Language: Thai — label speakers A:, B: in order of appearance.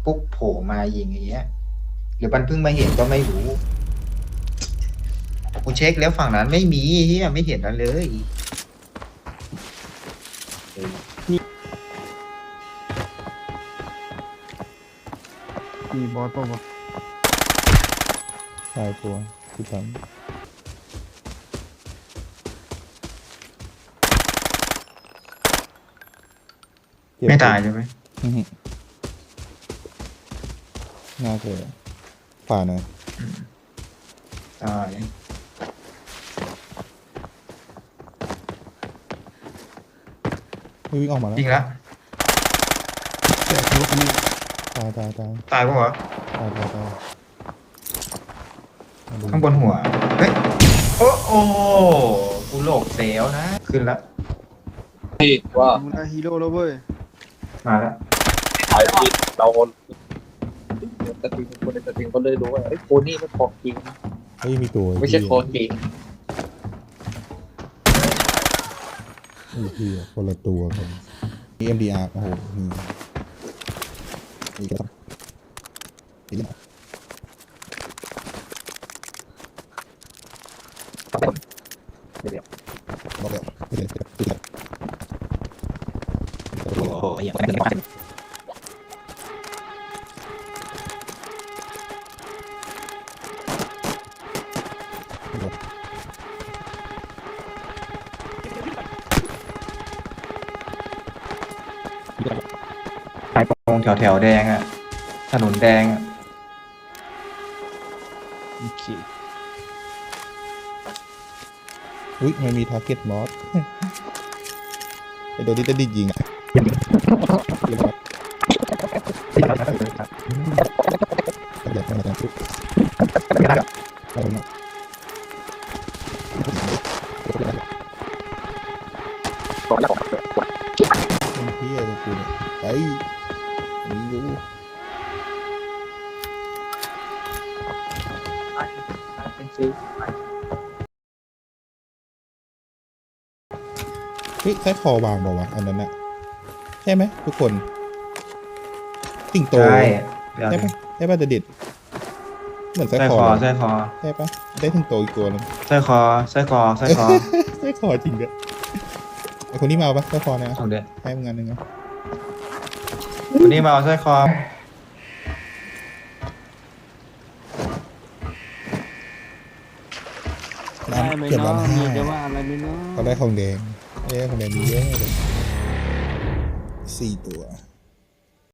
A: ปุ๊บโผล่มายิงอย่างเงี้ยหรือมันเพิ่งมาเห็นก็ไม่รู้กูเช็คแล้วฝั่งนั้นไม่มีเฮียไม่เห็นอะไรเลย
B: มีบอสป่าวะ
C: ตายตัวที่ทำ
A: ไม่ตายใช่ไหม
C: อื้อหือน่าเจอฝ่าหน่อย
A: ตาย
C: วิ่งออกมาแล้ว
A: ยิงละ
B: แจกรถนี่
C: ตาย
A: ตายปะวะ
C: มาดู
A: ข้างบนหัวเฮ้ยโอ้โอ้กูโหลกเซลนะ ขึ้นละ
D: ที่ว่า
B: มึงได้ฮีโร่แล้วเว้ย
A: มาละ
D: ขายที่เราสตรีมคนในสตรีมก็เลยรู้ว่าไอ้โคนี่มันของจริง
C: เฮ้ยมีตัว
D: ไม่ใช่โคนจริง
C: ไอ้เหี้ยคนละตัวกัน EMDR โอ้โหนี่ก็ต้องนี่ก็บอกแล้วไม่ได้
A: โอ้โหอย่างนั้นไปตรงแถวแดงอ่ะถนนแดงอ่ะ
B: โอเค
C: อุ้ยมันมี target boss ไอตัวที่จะดิยิงอ่ะอยากมาทำชุดเอามาเป็นเพี้ยตัวกูเนี่ยไปมีอยู่เฮ้ยใช้คอวางเปล่าวะอันนั้นอะใช่ไหมทุกคนติ่งโต
A: ใช่เดี๋ยว
C: ใช่ปะใช่ปะเด็ดเหมือน
A: ใส่
C: ไส้
A: ค
C: ค
A: อ
C: อ
A: ใส่คอ
C: ใช่ปะได้ถึงโตอีกตัวนึง
A: ใส่คอใส่คอใส่คอ
C: ไส้คอจริงด้วยไอคนนี้มาเอาปะไส้คอนะ
A: เอาเด็ด
C: ให้มึงงานหนึ่งนะ
A: วันนี้มาเอาใส่คอ
B: ได้ไหม
C: เกือบล้า
B: เนาะ
C: น
B: มี
C: ห้า
B: จะว่าอะไรไหมเนาะ
C: เขาได้ของแดงได้ของแดงมีเยอะเลย4 ตัว